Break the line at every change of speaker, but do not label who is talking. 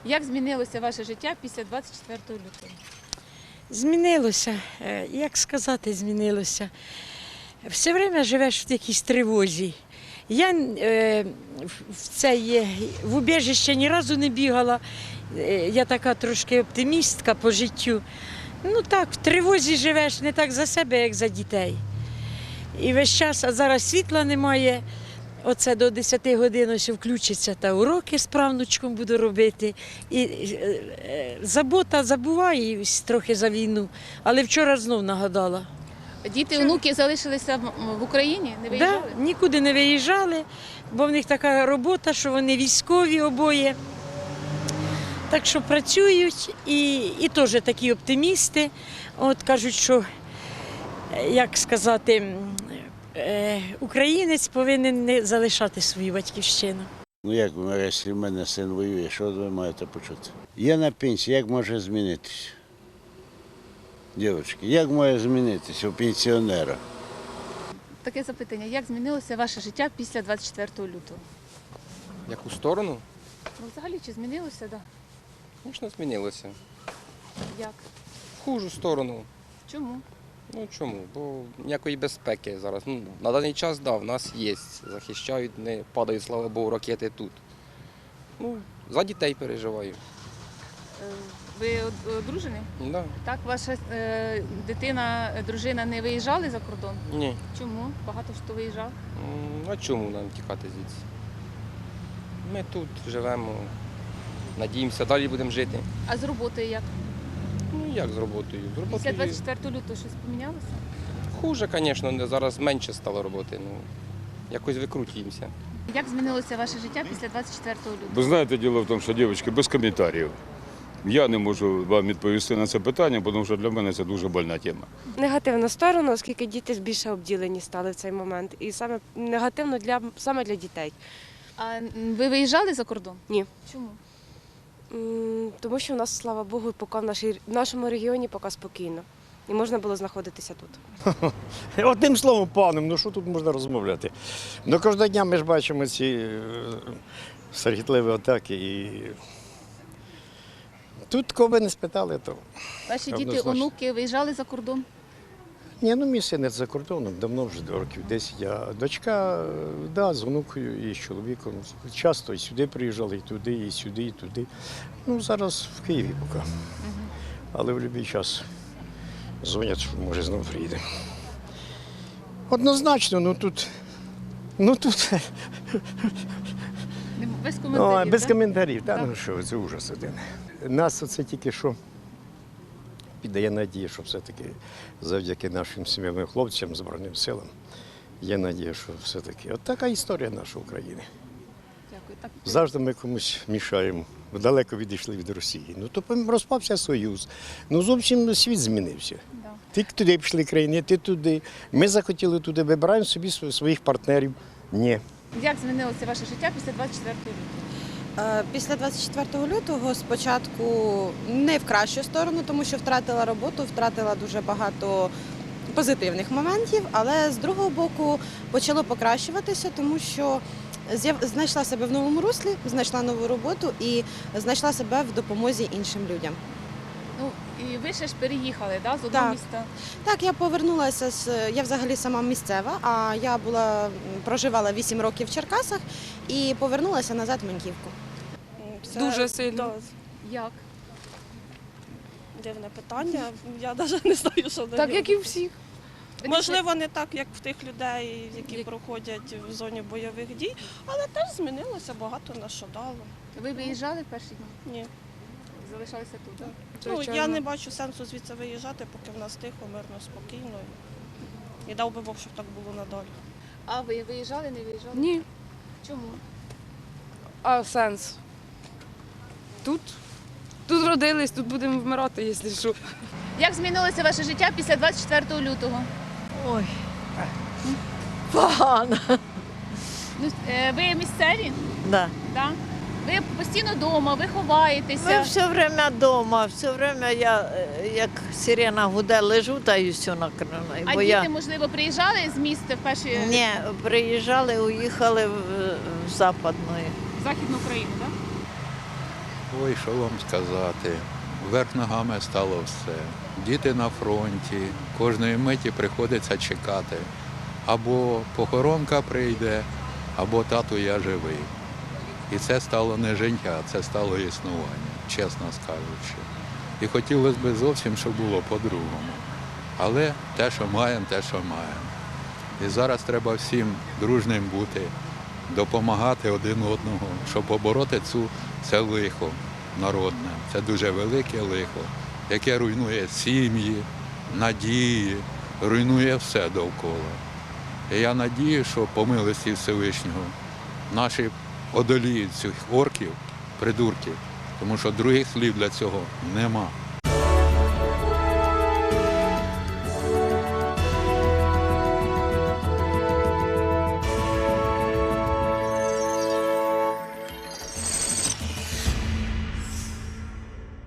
Як змінилося ваше життя після 24 лютого?
Змінилося, як сказати, змінилося. Все время живеш в якійсь тривозі. Я в убіжище ні разу не бігала, я така трошки оптимістка по життю. Ну так, в тривозі живеш не так за себе, як за дітей. І весь час, а зараз світла немає. Оце до 10 годин ось включиться та уроки з правнучком буду робити. І забота забуваю трохи за війну, але вчора знов нагадала.
Діти, онуки залишилися в Україні? Не виїжджали?
Да, нікуди не виїжджали, бо в них така робота, що вони військові обоє. Так що працюють і теж такі оптимісти. От кажуть, що, як сказати, українець повинен не залишати свою батьківщину.
Ну як, якщо в мене син воює, що ви маєте почути? Я на пенсії, як може змінитися? Дівчатки, як може змінитися у пенсіонера?
Таке запитання. Як змінилося ваше життя після 24 лютого?
Яку сторону?
Ну, взагалі, чи змінилося? Да.
Звісно, змінилося.
Як?
В хужу сторону.
Чому?
Ну чому? Бо ніякої безпеки зараз. Ну, на даний час, да, в нас є. Захищають, не падають, слава Богу, ракети тут. Ну, за дітей переживаю.
Ви одружені?
Да.
Так, ваша дитина, дружина не виїжджали за кордон?
Ні.
Чому? Багато хто виїжджав.
А чому нам тікати звідси? Ми тут живемо, надіємося, далі будемо жити.
А з роботою як?
Ну як з роботою? З
Після
роботою
24 лютого щось помінялося?
хуже, звісно, зараз менше стало роботи. Ну, якось викрутуємося.
Як змінилося ваше життя після 24 лютого?
Ви знаєте, діло в тому, що дівчатки, без коментарів. Я не можу вам відповісти на це питання, тому що для мене це дуже больна тема.
Негативну сторону, оскільки діти більше обділені стали в цей момент. І саме негативно саме для дітей.
А ви виїжджали за кордон?
Ні.
Чому?
Тому що в нас, слава Богу, поки в нашому регіоні поки спокійно. І можна було знаходитися тут.
Одним словом, паном, ну що тут можна розмовляти? Ну кожного дня ми ж бачимо ці страхітливі атаки. І тут кого ви не спитали, то
Ваші діти,
однозначно.
онуки виїжджали за кордон?
Ні, ну мій син за кордоном, давно вже років 10. А дочка, да, з онукою і з чоловіком. Часто і сюди приїжджали, і туди, і сюди, і туди. Ну, зараз в Києві поки. Але в будь-який час дзвонять, що може знову приїде. Однозначно, ну тут
Без коментарів,
без
так?
коментарів. Та
Так.
ну що, це ужас один. Нас оце тільки що піддає надію, що все-таки завдяки нашим сім'ям хлопцям, Збройним силам, є надія, що все-таки от така історія нашої України.
Дякую. Так,
Завжди ми комусь мішаємо. Далеко відійшли від Росії. Ну то розпався Союз. Ну зовсім світ змінився.
да.
Ти туди пішли країни, ти туди. Ми захотіли туди, вибираємо собі своїх партнерів. Ні.
Як змінилося ваше життя після 24 лютого?
Після 24 лютого спочатку не в кращу сторону, тому що втратила роботу, втратила дуже багато позитивних моментів, але з другого боку почало покращуватися, тому що знайшла себе в новому руслі, знайшла нову роботу і знайшла себе в допомозі іншим людям.
Ну, і ви ще ж переїхали, да, з одного
Так.
міста?
Так, я повернулася, я взагалі сама місцева, а я проживала 8 років в Черкасах і повернулася назад в Маньківку.
Дуже сильно.
Як?
Дивне питання. Я навіть не знаю, що на
Так,
нього.
як і у всіх.
Можливо, не так, як в тих людей, які проходять в зоні бойових дій, але теж змінилося, багато на що дало.
Ви виїжджали в перші дні?
Ні.
Залишалися тут, так?
Ну, я не бачу сенсу звідси виїжджати, поки в нас тихо, мирно, спокійно. І дав би Бог, щоб так було надалі.
А ви виїжджали, не виїжджали?
Ні.
Чому?
А сенс? Тут? Тут родились, тут будемо вмирати, якщо що.
Як змінилося ваше життя після 24 лютого?
Ой, погано.
Ну, ви місцеві?
Да.
Так? Ви постійно вдома, ви ховаєтеся.
Ми все время вдома, все время я, як сирена гуде, лежу та і все накрила.
А діти, можливо, приїжджали з міста в перші
Ні, приїжджали, уїхали в Западну.
в Західну Україну, так?
Ой, що вам сказати? Вверх ногами стало все. Діти на фронті, кожної миті приходиться чекати. Або похоронка прийде, або тату я живий. І це стало не життя, це стало існування, чесно скажучи. І хотілося б зовсім, щоб було по-другому. Але те, що маємо, те, що маємо. І зараз треба всім дружним бути, допомагати один одному, щоб побороти це лихо народне. Це дуже велике лихо, яке руйнує сім'ї, надії, руйнує все довкола. І я надію, що по милості Всевишнього наші одоліють цих орків, придурків, тому що других слів для цього нема.